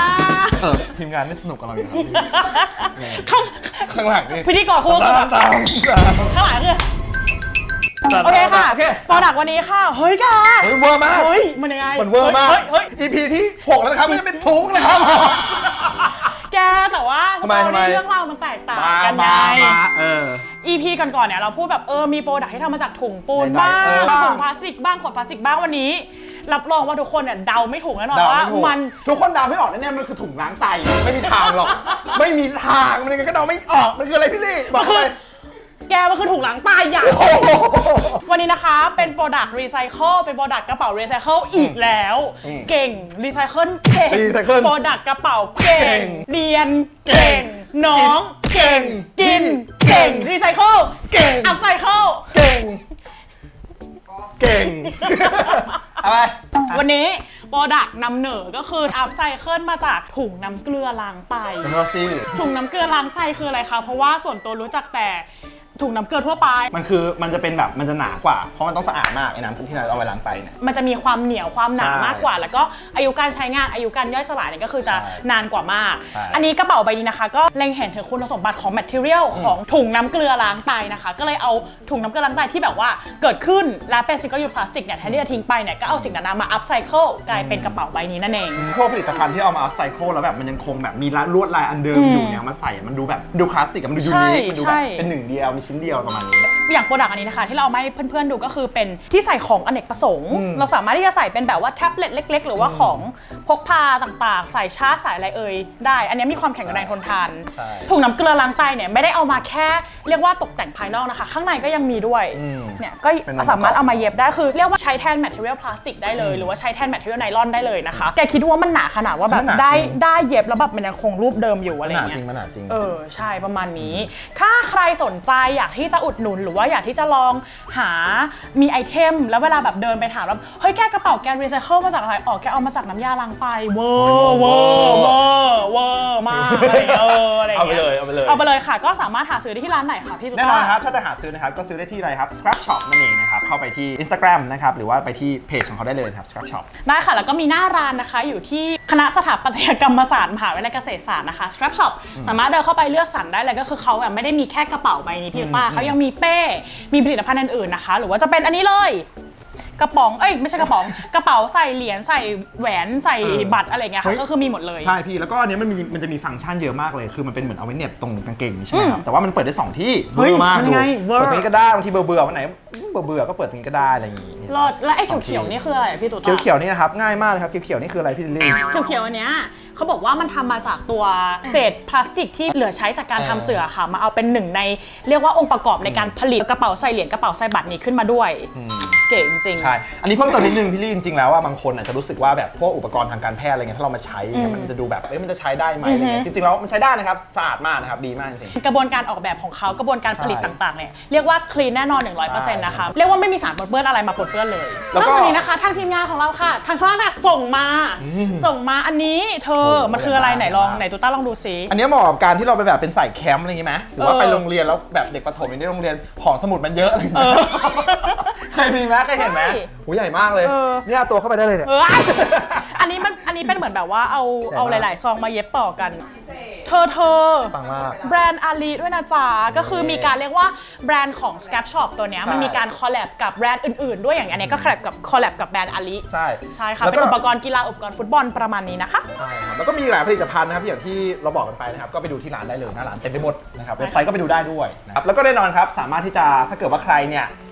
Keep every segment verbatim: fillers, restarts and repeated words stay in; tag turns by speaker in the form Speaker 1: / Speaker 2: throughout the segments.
Speaker 1: เออทีมงานนี่สนุกกับเราอยู่ครับ
Speaker 2: ข้าง
Speaker 1: ข้างหลังนี่
Speaker 2: พิธีกรคู่กับแบบข้างหลังคือโอเคค่ะโปรดักต์วันนี้ค่ะเฮ้ยแก
Speaker 1: เฮ้ยเวอร์มาก
Speaker 2: เฮ้ยมันยังไง
Speaker 1: มันเวอร์มาก
Speaker 2: เฮ้ยเฮ้ย
Speaker 1: อี พี ที่หกแล้วนะครับไม่ได้เป็นถุงเลยครับ
Speaker 2: แกแต่ว่า
Speaker 1: ทำไมทำไม
Speaker 2: เรื่องราวมันแตกต่างกันไง
Speaker 1: เออ
Speaker 2: อี พี ก่อนๆเนี่ยเราพูดแบบเออมีโปรดักต์ที่ทำมาจากถุงปูนบ้าง
Speaker 1: เออ
Speaker 2: ถุงพลาสติกบ้างขวดพลาสติกบ้างวันนี้รับรองว่าทุกคนเนี่ยเดาไม่ถูกแน่นอน
Speaker 1: เดา
Speaker 2: ว่า
Speaker 1: ไม่ถูก
Speaker 2: มัน
Speaker 1: ทุกคนเดาไม่ออกแน่ๆมันคือถุงล้างไตไม่มีทางหรอก ไม่มีทางมันยังไงก็เดาไม่ออกมันคืออะไรพี่ลี่บอกเลย
Speaker 2: แกมันคือถุงล้างตายอย่าง
Speaker 1: โอ้โห
Speaker 2: วันนี้นะคะเป็นโปรดักต์รีไซเคิลเป็นโปรดักต์กระเป๋ารีไซเคิลอีกแล้ว
Speaker 1: อืม
Speaker 2: เก่งรีไซเคิลเก่ง
Speaker 1: Recycle
Speaker 2: โปรดักต์กระเป๋าเก่
Speaker 1: เก่
Speaker 2: ง
Speaker 1: ง
Speaker 2: เรียนเก่งน้อง
Speaker 1: เก่ง
Speaker 2: กินเก่งรีไซเคิล
Speaker 1: เก่ง
Speaker 2: อัพไซเคิล
Speaker 1: เก่ง เก่งอะไร
Speaker 2: วันนี้โปรดักต์นำเหนอก็คืออัพไซเคิลมาจากถุงน้ำเกลือล้างไต
Speaker 1: เป็นรอซี่
Speaker 2: ถุงน้ำเกลือล้างไตคืออะไรคะเพราะว่าส่วนตัวรู้จักแต่ถุงน้ำเกลือทั่วไป
Speaker 1: มันคือมันจะเป็นแบบมันจะหนากว่าเพราะมันต้องสะอาดมากไอ้น้ำที่เราเอาไว้ล้างไตเนี่ย
Speaker 2: มันจะมีความเหนียวความหนา
Speaker 1: ใช่
Speaker 2: มากกว่า แล้วก็อายุการใช้งานอายุการย่อยสลายเนี่ยก็คือจะ
Speaker 1: ใช่
Speaker 2: นานกว่ามาก
Speaker 1: ใช่
Speaker 2: อันนี้กระเป๋าใบนี้นะคะ ก็เล็งเห็นถึงคุณสมบัติของ material ของถุงน้ำเกลือล้างไตนะคะ ก็เลยเอาถุงน้ำเกลือล้างไตที่แบบว่าเกิดขึ้นแล้วเป็น single use plastic เนี่ยแทนที่จะทิ้งไปเนี่ยก็เอาสิ่งนั้นมา upcycle กลายเป็นกระเป๋าใบนี้นั่นเอง
Speaker 1: พวกผลิตภัณฑ์ที่เอามาอัพไซเคิลแล้วแบบมันยังคงแบบมีลวดลายอันเดิมอยู่เนี่ยมาใส่มันดูแบบดูคลาสสิกมันดูยู
Speaker 2: ใช่
Speaker 1: นิคมันดู
Speaker 2: ใช่
Speaker 1: แบบเป็นหนึ่งเดียวมีชิ้นเดียวประมาณนี้
Speaker 2: อย่างโปรดักต์อันนี้นะคะที่เราเอามาให้เพื่อนๆดูก็คือเป็นที่ใส่ของอเนกประสงค์
Speaker 1: อืม
Speaker 2: เราสามารถที่จะใส่เป็นแบบว่าแท็บเล็ตเล็กๆ หรือว่าของพกพาต่างๆ ใส่ชาร์จใส่อะไรเอ่ยได้ อันนี้มีความแข็งแรงทนทาน
Speaker 1: ใช่
Speaker 2: ถุงน้ำเกลือล้างไตเนี่ยไม่ได้เอามาแค่เรียกว่าตกแต่งภายนอกนะคะ ข้างในก็ยังมีด้วย
Speaker 1: อืม
Speaker 2: เนี่ยก็
Speaker 1: เป็นองค์ประกอบ
Speaker 2: สามารถเอามาเย็บได้คือเรียกว่าใช้แทน material พลาสติกได้เลย หรือว่าใช้แทน material ไนลอนได้เลยนะคะแกคิดว่ามันหนาขนาดว่าแบบ
Speaker 1: มันหนา
Speaker 2: ได้
Speaker 1: จริง
Speaker 2: ได้เย็บแล้วแบบมันยังคงรูปเดิมอยู่อะไร
Speaker 1: มันหนา
Speaker 2: เงี้
Speaker 1: จริ
Speaker 2: ย
Speaker 1: งมันหนาจริง
Speaker 2: เออใช่ประมาณนี้ ถ้าใครสนใจอยากที่จะอุดหนุนหรือว่าอยากที่จะลองหามีไอเทมแล้วเวลาแบบเดินไปถามแล้วเฮ้ยแกกระเป๋าแกรีไซเคิลมาจากอะไรอ๋อแกเอามาจากน้ำยาล้างไตเวอร์เวอร์เวอร์เวอร์มากอะไรเงี้ยเอออะไร
Speaker 1: เอาไป
Speaker 2: เงี้ย
Speaker 1: เลยเอาไปเลย
Speaker 2: เอาไปเลยค่ะก็สามารถหาซื้อได้ที่ร้านไหนคะพี่ตุ๊ก
Speaker 1: แน่
Speaker 2: ตาน
Speaker 1: อนครับถ้าจะหาซื้อนะครับก็ซื้อได้ที่อะไรครับ Scrap Shop นั่นเองนะครับเข้าไปที่ Instagram นะครับหรือว่าไปที่เพจของเขาได้เลยครับ Scrap Shop
Speaker 2: ได้ค่ะแล้วก็มีหน้าร้านนะคะอยู่ที่คณะสถาปัตยกรรมศาสตร์มหาวิทยาลัยเกษตรศาสตร์นะคะ Scrap Shop สามารถเดินเข้าไปเลือกสรรได้เลยก็คือเขาแบบไม่ได้มีแค่กระเป๋าใบนี้พี่ตุ๊กตาเขายังมีเป้มีผลิตภัณฑ์อื่นๆนะคะหรือว่าจะเป็นอันนี้เลยกระป๋องเอ้ยไม่ใช่กระป๋องกระเป๋าใส่เหรียญใส่แหวนใส่
Speaker 1: เออ
Speaker 2: บัตรอะไรเงี้ย
Speaker 1: เฮ้
Speaker 2: ค่ะ
Speaker 1: ย
Speaker 2: ก็คือมีหมดเลย
Speaker 1: ใช่พี่แล้วก็อันเนี้ยมันมีมันจะมีฟังก์ชันเยอะมากเลยคือมันเป็นเหมือนเอาไว้เหน็บตรงกางเกงใช่ไหมครับแต่ว่ามันเปิดได้สองที่
Speaker 2: เฮ้ย
Speaker 1: เบอร์มาก
Speaker 2: มัน
Speaker 1: ดู
Speaker 2: ไงเวอร์
Speaker 1: เปิดตรงนี้ก็ได้บางทีเบื่อเบื่อๆวันไหนเบื่อเบื่อๆก็เปิดตรงนี้ก็ได้อะไรอย่างงี้
Speaker 2: รอดแล้วไอ้เขียวๆนี่คืออะไรอะพี่ตุ๊กตา
Speaker 1: เขียวๆนี่นะครับง่ายมากเลยครับเขียวๆนี่คืออะไรพี่ลิลลี่
Speaker 2: เขียวๆอันเนี้ยเขาบอกว่ามันทำมาจากตัวเศษพลาสติกที่เหลือใช้จากการทำเสื่อค่ะมาเอาเป็นหนึ่งในเรียกว่าองค์ประกอบในการผลิตกระเป๋าใส่เหรียญกระเป๋าใส่บัตรนี้ขึ้นมาด้วยเก๋จริงๆ
Speaker 1: ใช่ อันนี้เพิ่มเติมนิดนึงพี่ลี่จริงๆแล้วว่าบางคนอาจจะรู้สึกว่าแบบพวกอุปกรณ์ทางการแพทย์อะไรเงี้ยถ้าเรามาใช้เนี่ยมันจะดูแบบเอ้ยมันจะใช้ได้ไหมอะไรเงี้ยจริงๆแล้วมันใช้ได้นะครับสะอาดมากนะครับดีมากจริง
Speaker 2: กระบวนการออกแบบของเขากระบวนการผลิต
Speaker 1: ใช่
Speaker 2: ต่างๆเนี่ยเรียกว่าคลีนแน่นอน หนึ่งร้อยเปอร์เซ็นต์ นะคะเรียกว่าไม่มีสารปนเปื้อนอะไรมาปนเปื้อนเลย
Speaker 1: แล้
Speaker 2: น
Speaker 1: ว
Speaker 2: อก
Speaker 1: ก็
Speaker 2: จากนี้นะคะทางทีมงานของเราค่ะทางข้างล่างส่งมาส่งมาอันนี้เธอ
Speaker 1: โอ้โห
Speaker 2: มันคืออะไรไหนลอง
Speaker 1: มาก
Speaker 2: ไหนตูต้าลองดูซิ
Speaker 1: อันนี้เหมาะกับการที่เราไปแบบเป็นใส่แคมป์อะไรอย่างงี้ไหมหรือว่า
Speaker 2: เออ
Speaker 1: ไปโรงเรียนแล้วแบบเด็กประถมอย่างที่โรงเรียนของสมุดมันเยอะอะไรอย่าง
Speaker 2: เอ
Speaker 1: เงี้
Speaker 2: อย
Speaker 1: เคยมีไหมเคยเห็นไหม
Speaker 2: ใช่
Speaker 1: โหใหญ่มากเลย
Speaker 2: เออ
Speaker 1: เนี่ยเอาตัวเข้าไปได้เลยเนี่ย
Speaker 2: เอออันนี้มันอันนี้เป็นเหมือนแบบว่าเอา
Speaker 1: ใหญ่มาก
Speaker 2: เอาหลาย ๆ ซองมาเย็บต่อกัน เธอเธอ
Speaker 1: ปังมาก
Speaker 2: แบรนด์อาลีด้วยนะจ๊ะก็คือมีการเรียกว่าแบรนด์ของ Scrap Shop ตัวเนี้ย
Speaker 1: ใช่
Speaker 2: มันมีการคอลแลบกับแบรนด์อื่น ๆ ด้วยอย่างอันเนี้ยก็คอลแลบกับคอลแลบกับแบรนด์อาลี
Speaker 1: ใช่
Speaker 2: ใช่ค่ะ
Speaker 1: แล้ว
Speaker 2: เป็น
Speaker 1: ก็
Speaker 2: อุปกรณ์กีฬาอุปกรณ์ฟุตบอลประมาณนี้นะคะ
Speaker 1: ใช่ครับแล้วก็มีหลายผลิตภัณฑ์นะครับอย่างที่เราบอกกันไปนะครับก็ไปดูที่ร้านได้เลยหน้าร้านเต็มไปหมดนะครับเว็บไซต์ก็ไปดูได้ด้วยนะครับแล้วก็แน่นอนครับสามารถที่จะถ้าเกิดว่าใครเนี่ย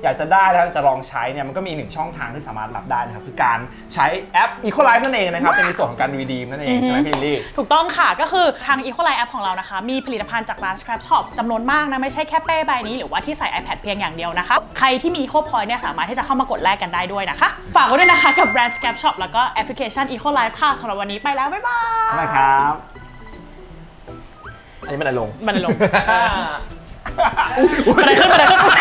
Speaker 1: อยากจะได้นะครับจะลองใช้เนี่ยมันก็มีหนึ่งช่องทางที่สามารถรับได้นะครับคือการใช้แอป Equalize นั่นเองนะครับจะมีส่วนของการ redeem นั่นเองใช่ไหมพี่ลิลลี่
Speaker 2: ถูกต้องค่ะก็คือทาง Equalize App ของเรานะคะมีผลิตภัณฑ์จากร้าน Scrap Shop จำนวนมากนะไม่ใช่แค่เป้ใบนี้หรือว่าที่ใส่ iPad เพียงอย่างเดียวนะคะใครที่มี Eco Point เนี่ยสามารถที่จะเข้ามากดแลกกันได้ด้วยนะคะฝากไว้ด้วยนะคะกับแบรนด์ Scrap Shop แล้วก็แอปพลิเคชัน Equalize ค่ะสำหรับวันนี้ไปแล้วบ๊ายบาย
Speaker 1: บ๊ายบายครับอันนี้มันอะไรลง
Speaker 2: มันลงบันไดขึ้นบันไดขึ้น